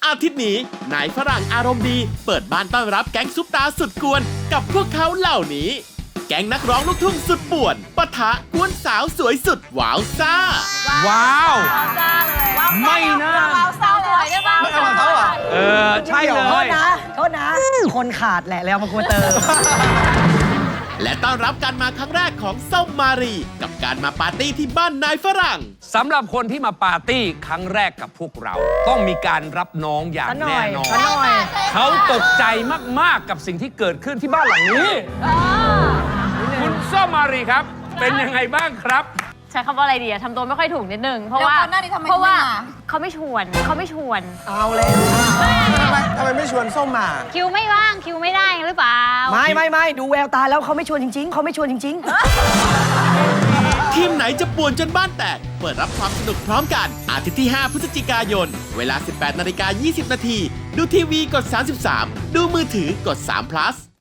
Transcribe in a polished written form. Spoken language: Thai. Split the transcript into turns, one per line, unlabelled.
อาทิตย์นี้นายฝรั่งอารมณ์ดีเปิดบ้านต้อนรับแก๊งซุปตาสุดกวนกับพวกเขาเหล่านี้ แก๊งนักร้องลูกทุ่งสุดป่วนปะทะกวนสาวสวยสุดว้าวซ่า
ว้าว
ซ่าเลย
ไม่น่า
ว้าวซ่าสวยได้ป่ะ
ไม่เอาของเขาเหรอ
ใช่เล
โทษ
ย
นะโทษนะ คนขาดแหละแล้วมาควรเติม
และต้อนรับการมาครั้งแรกของส้มมารีกับการมาปาร์ตี้ที่บ้านนายฝรั่ง
สำหรับคนที่มาปาร์ตี้ครั้งแรกกับพวกเรา ต้องมีการรับน้องอย่าง
ซะหน่
แน่
อย
นอน
ซะหน่อย
เขาตกใจมากๆกับสิ่งที่เกิดขึ้นที่บ้านหลังนี้ คุณส้มมารีครับ เป็นยังไงบ้างครับ
ใช้คำว่าอะไรดีอะทำตัวไม่ค่อยถูกนิดนึง เพราะว่า
แล้วก่อนหน้านี้ทำไม
เพราะว่า
ไม่มา
เขาไม่ชวน
เอาแล้ว
ทำไมไม่ชวนส้มมา
คิวไม่ว่าง คิวไม่ได้หรือเปล่า
ไม่ดูแววตาแล้วเขาไม่ชวนจริงๆเขาไม่ชวนจริง
ทีมไหนจะป่วนจนบ้านแตก เปิดรับความสนุกพร้อมกัน อาทิตย์ที่ 5 พฤศจิกายน เวลา 18:20 น.ดูทีวีกด 33 ดูมือถือกด3 plus